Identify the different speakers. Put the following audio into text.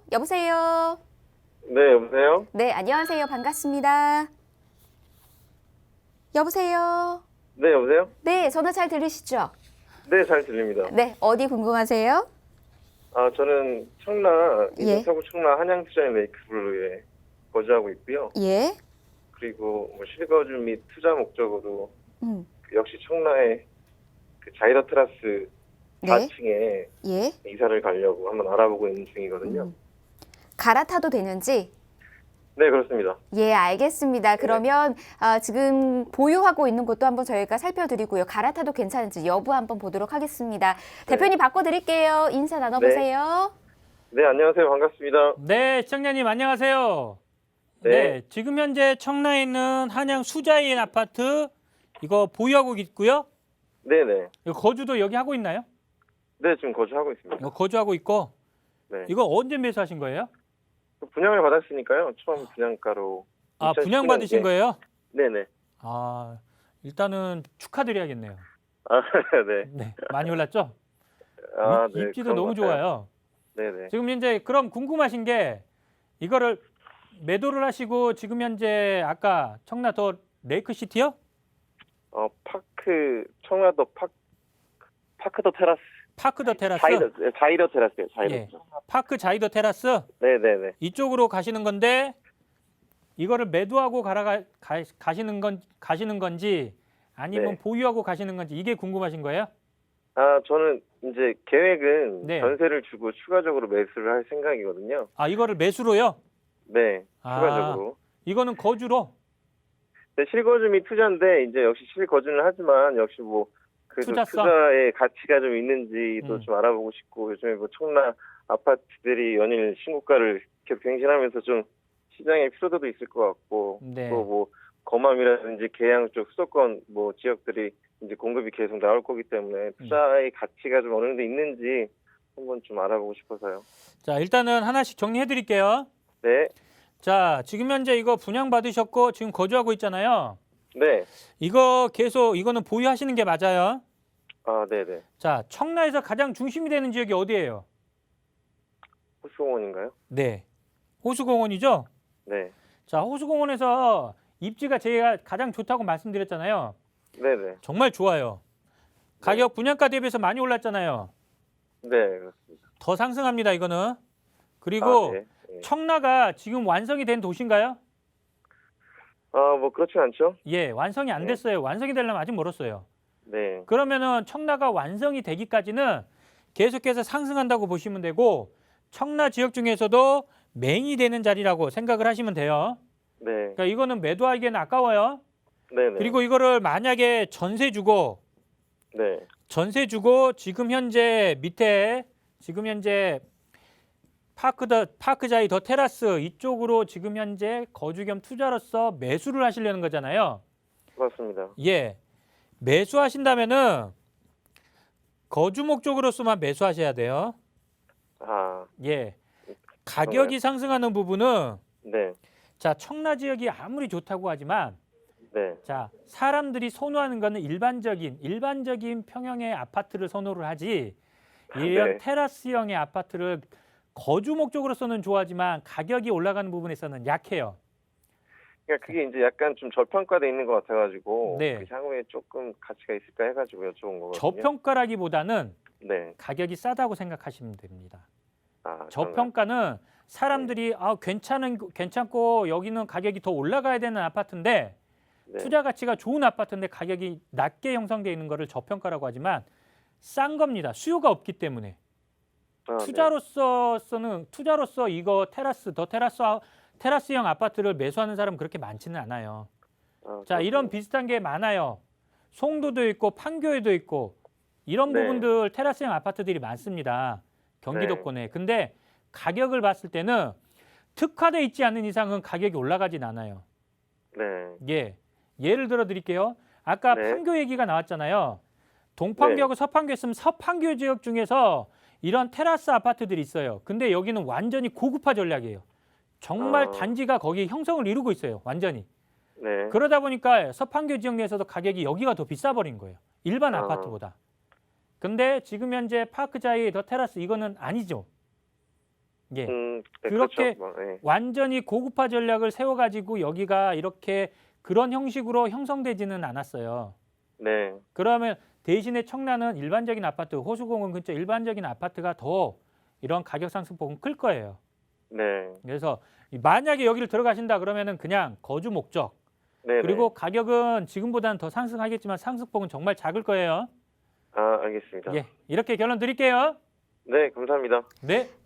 Speaker 1: 여보세요?
Speaker 2: 네, 여보세요?
Speaker 1: 네, 안녕하세요. 반갑습니다. 여보세요?
Speaker 2: 네, 여보세요?
Speaker 1: 네, 전화 잘 들으시죠?
Speaker 2: 네, 잘 들립니다.
Speaker 1: 네, 어디 궁금하세요?
Speaker 2: 저는 청라,
Speaker 1: 예.
Speaker 2: 서구 청라 한양투자인 레이크블루에 거주하고 있고요.
Speaker 1: 예.
Speaker 2: 그리고 뭐 실거주 및 투자 목적으로
Speaker 1: 음.
Speaker 2: 역시 청라의 그 자이더 테라스
Speaker 1: 네.
Speaker 2: 4층에
Speaker 1: 예.
Speaker 2: 이사를 가려고 한번 알아보고 있는 중이거든요.
Speaker 1: 갈아타도 되는지?
Speaker 2: 네, 그렇습니다.
Speaker 1: 예, 알겠습니다. 그러면 지금 보유하고 있는 곳도 한번 저희가 살펴드리고요. 갈아타도 괜찮은지 여부 한번 보도록 하겠습니다. 대표님 바꿔드릴게요. 인사 나눠보세요.
Speaker 2: 네, 안녕하세요. 반갑습니다.
Speaker 3: 네, 시청자님 안녕하세요.
Speaker 2: 네.
Speaker 3: 네, 지금 현재 청라에 있는 한양 수자인 아파트 이거 보유하고 있고요.
Speaker 2: 네네.
Speaker 3: 이거 거주도 여기 하고 있나요?
Speaker 2: 네, 지금 거주하고 있습니다.
Speaker 3: 이거 거주하고 있고
Speaker 2: 네.
Speaker 3: 이거 언제 매수하신 거예요?
Speaker 2: 분양을 받았으니까요. 처음 분양가로.
Speaker 3: 아,
Speaker 2: 2019
Speaker 3: 분양 받으신
Speaker 2: 년에.
Speaker 3: 거예요?
Speaker 2: 네네.
Speaker 3: 아, 일단은 축하드려야겠네요.
Speaker 2: 네.
Speaker 3: 네, 많이 올랐죠?
Speaker 2: 네.
Speaker 3: 입지도
Speaker 2: 그런
Speaker 3: 너무
Speaker 2: 것 같아요.
Speaker 3: 좋아요.
Speaker 2: 네네.
Speaker 3: 지금 현재 그럼 궁금하신 게 이거를 매도를 하시고 지금 현재 아까 청라 더 레이크시티요?
Speaker 2: 청라도 파크 더 테라스.
Speaker 3: 파크 더 테라스?
Speaker 2: 자이더 테라스요. 자이더.
Speaker 3: 예. 파크 자이더 테라스?
Speaker 2: 네네네.
Speaker 3: 이쪽으로 가시는 건데 이거를 매도하고 가시는 건지 아니면
Speaker 2: 네.
Speaker 3: 보유하고 가시는 건지 이게 궁금하신 거예요?
Speaker 2: 저는 이제 계획은
Speaker 3: 네.
Speaker 2: 전세를 주고 추가적으로 매수를 할 생각이거든요.
Speaker 3: 아, 이거를 매수로요?
Speaker 2: 네.
Speaker 3: 아.
Speaker 2: 추가적으로.
Speaker 3: 이거는 거주로?
Speaker 2: 네, 실거주 및 투자인데 이제 역시 실거주는 하지만 역시 뭐 그래도
Speaker 3: 투자성?
Speaker 2: 투자의 가치가 좀 있는지도 좀 알아보고 싶고 요즘에 뭐 청라 아파트들이 연일 신고가를 계속 갱신하면서 좀 시장에 피로도도 있을 것 같고
Speaker 3: 네.
Speaker 2: 또 뭐 거맘이라든지 계양 쪽 수도권 뭐 지역들이 이제 공급이 계속 나올 거기 때문에 투자의 가치가 좀 어느 정도 있는지 한번 좀 알아보고 싶어서요.
Speaker 3: 자, 일단은 하나씩 정리해 드릴게요.
Speaker 2: 네,
Speaker 3: 자, 지금 현재 이거 분양 받으셨고 지금 거주하고 있잖아요.
Speaker 2: 네,
Speaker 3: 이거 계속 이거는 보유하시는 게 맞아요.
Speaker 2: 네네.
Speaker 3: 자, 청라에서 가장 중심이 되는 지역이 어디예요?
Speaker 2: 호수공원인가요?
Speaker 3: 네. 호수공원이죠?
Speaker 2: 네,
Speaker 3: 자, 호수공원에서 입지가 제가 가장 좋다고 말씀드렸잖아요.
Speaker 2: 네네.
Speaker 3: 정말 좋아요. 가격 분양가 대비해서 많이 올랐잖아요.
Speaker 2: 네, 그렇습니다.
Speaker 3: 더 상승합니다, 이거는. 그리고
Speaker 2: 네. 네.
Speaker 3: 청라가 지금 완성이 된 도시인가요?
Speaker 2: 뭐 그렇진 않죠?
Speaker 3: 예, 완성이 안
Speaker 2: 네.
Speaker 3: 됐어요. 완성이 되려면 아직 멀었어요.
Speaker 2: 네,
Speaker 3: 그러면은 청라가 완성이 되기까지는 계속해서 상승한다고 보시면 되고 청라 지역 중에서도 메인이 되는 자리라고 생각을 하시면 돼요.
Speaker 2: 네,
Speaker 3: 그러니까 이거는 매도하기에는 아까워요.
Speaker 2: 네네.
Speaker 3: 그리고 이거를 만약에 전세 주고
Speaker 2: 네,
Speaker 3: 지금 현재 밑에 지금 현재 파크자이 더 테라스 이쪽으로 지금 현재 거주 겸 투자로서 매수를 하시려는 거잖아요.
Speaker 2: 맞습니다.
Speaker 3: 예. 매수하신다면은 거주 목적으로서만 매수하셔야 돼요. 예. 가격이 상승하는 부분은
Speaker 2: 네,
Speaker 3: 자, 청라 지역이 아무리 좋다고 하지만
Speaker 2: 네,
Speaker 3: 자, 사람들이 선호하는 거는 일반적인 평형의 아파트를 선호를 하지 이런
Speaker 2: 네.
Speaker 3: 테라스형의 아파트를 거주 목적으로서는 좋아하지만 가격이 올라가는 부분에서는 약해요.
Speaker 2: 그러니까 그게 이제 약간 좀 저평가돼 있는 것 같아가지고
Speaker 3: 네.
Speaker 2: 그 향후에 조금 가치가 있을까 해가지고 여쭤본 거거든요.
Speaker 3: 저평가라기보다는
Speaker 2: 네,
Speaker 3: 가격이 싸다고 생각하시면 됩니다.
Speaker 2: 그런가요?
Speaker 3: 저평가는 사람들이 괜찮고 여기는 가격이 더 올라가야 되는 아파트인데
Speaker 2: 네.
Speaker 3: 투자 가치가 좋은 아파트인데 가격이 낮게 형성되어 있는 거를 저평가라고 하지만 싼 겁니다. 수요가 없기 때문에.
Speaker 2: 네.
Speaker 3: 투자로서 이거 테라스형 아파트를 매수하는 사람은 그렇게 많지는 않아요. 자, 이런 비슷한 게 많아요. 송도도 있고 판교에도 있고 이런
Speaker 2: 네.
Speaker 3: 부분들 테라스형 아파트들이 많습니다. 경기도권에. 근데 가격을 봤을 때는 특화돼 있지 않는 이상은 가격이 올라가진 않아요.
Speaker 2: 네,
Speaker 3: 예. 예를 들어 드릴게요. 아까
Speaker 2: 네.
Speaker 3: 판교 얘기가 나왔잖아요. 동판교하고 서판교 했으면 서판교 지역 중에서 이런 테라스 아파트들이 있어요. 근데 여기는 완전히 고급화 전략이에요. 정말 단지가 거기 형성을 이루고 있어요. 완전히.
Speaker 2: 네.
Speaker 3: 그러다 보니까 서판교 지역 내에서도 가격이 여기가 더 비싸 버린 거예요. 일반 아파트보다. 근데 지금 현재 파크자이 더 테라스 이거는 아니죠. 예.
Speaker 2: 네,
Speaker 3: 그렇게
Speaker 2: 그렇죠. 네.
Speaker 3: 완전히 고급화 전략을 세워가지고 여기가 이렇게 그런 형식으로 형성되지는 않았어요.
Speaker 2: 네.
Speaker 3: 그러면 대신에 청라는 일반적인 아파트, 호수공원 근처 일반적인 아파트가 더 이런 가격 상승폭은 클 거예요.
Speaker 2: 네.
Speaker 3: 그래서 만약에 여기를 들어가신다 그러면은 그냥 거주 목적,
Speaker 2: 네.
Speaker 3: 그리고 가격은 지금보다는 더 상승하겠지만 상승폭은 정말 작을 거예요.
Speaker 2: 아, 알겠습니다.
Speaker 3: 예, 이렇게 결론 드릴게요.
Speaker 2: 네, 감사합니다.
Speaker 3: 네.